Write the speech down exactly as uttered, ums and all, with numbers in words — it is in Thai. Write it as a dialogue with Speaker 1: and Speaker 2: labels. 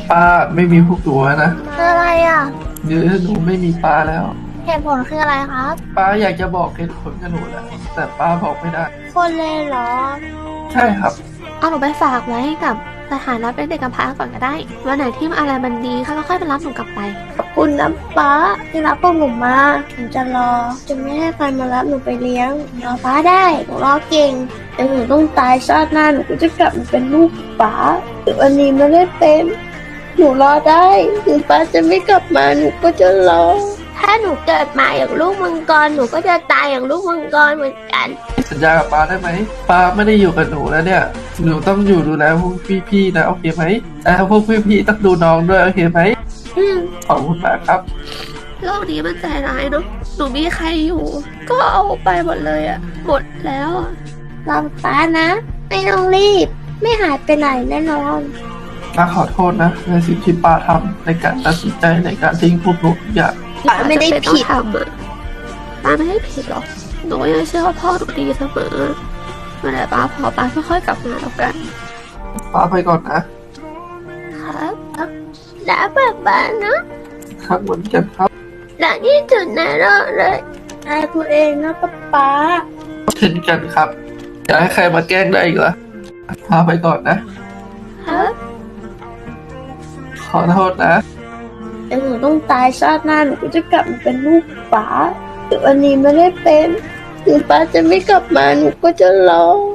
Speaker 1: ป้าไม่มีพวกตัวนะ
Speaker 2: คืออะไรอ่ะ
Speaker 1: เดี๋ยวหนูไม่มีป้าแล้ว
Speaker 2: เหตุผลคืออะไรครับ
Speaker 1: ป้าอยากจะบอกเหตุผลกับหนูแหละแต่ป้าบอกไม่ได้
Speaker 2: คนเลยเหรอ
Speaker 1: ใช่ครับ
Speaker 3: เอาหนูไปฝากไว้กับสถานะเป็นเด็กกำพร้าก่อนก็ได้วันไหนที่อะไรมันดีเขาก็ค่อยไปรับหนูกลับไป
Speaker 2: ขอบคุณนะป้าที่รับพวกหนูมาหนูจะรอ จะไม่ให้ใครมารับหนูไปเลี้ยงรอป้าได้หนูรอเก่งแต่หนูต้องตายชาติหน้าหนูก็จะกลับมาเป็นลูกป้าแต่วันนี้ไม่ได้เป็นหนูรอได้ถึงป้าจะไม่กลับมาหนูก็จะรอ ถ้าหนูเกิดมาอย่างลูกมังกรหนูก็จะตายอย่างลูกมังกรเหมือนกัน
Speaker 1: สัญญากับป้าได้ไหมป้าไม่ได้อยู่กับหนูแล้วเนี่ยหนูต้องอยู่ดูแลพวกพี่ๆนะโอเคไหมแล้วพวกพี่ๆต้องดูน้องด้วยโอเคไหม
Speaker 2: อืม
Speaker 1: ขอบคุณมากครับ
Speaker 3: โลกนี้มันใจร้ายเนาะหนูมีใครอยู่ ก็เอาไปหมดเลยอะหมดแล้วอะ
Speaker 2: รอป้านะ ไม่ต้องรีบ ไม่หายไปไหนแน่นอน
Speaker 1: ป้าขอโทษนะในสิ่งที่ป้าทำในการตัดสินใจในการทิ้งพวกหนูทุกอย่าง
Speaker 2: ป้าไม่ได้ผิด
Speaker 3: ป้าจำเป็นต้องทำอะป้าไม่ได้ผิดหรอกหนูยังเชื่อว่าพ่อหนูดีเสมอเมื่อไหร่ป้าพอป้าค่อยๆกลับมาแล้วกัน
Speaker 1: ป้าไปก่อนนะ
Speaker 3: ครับ
Speaker 2: แล้วป้าป้านะ
Speaker 1: ครับเหมือนกันครับ
Speaker 2: และที่สุดในโลกเลยอายตัวเองนะป้าป้า
Speaker 1: เช่นกันครับอย่าให้ใครมาแกล้งได้อีกละพาไปก่อนนะ
Speaker 3: ครับ
Speaker 1: ขอโทษนะ
Speaker 2: แต่หนูต้องตายชาติหน้าหนูก็จะกลับมาเป็นลูกป้าแต่วันนี้ไม่ได้เป็นถึงป้าจะไม่กลับมาหนูก็จะรอ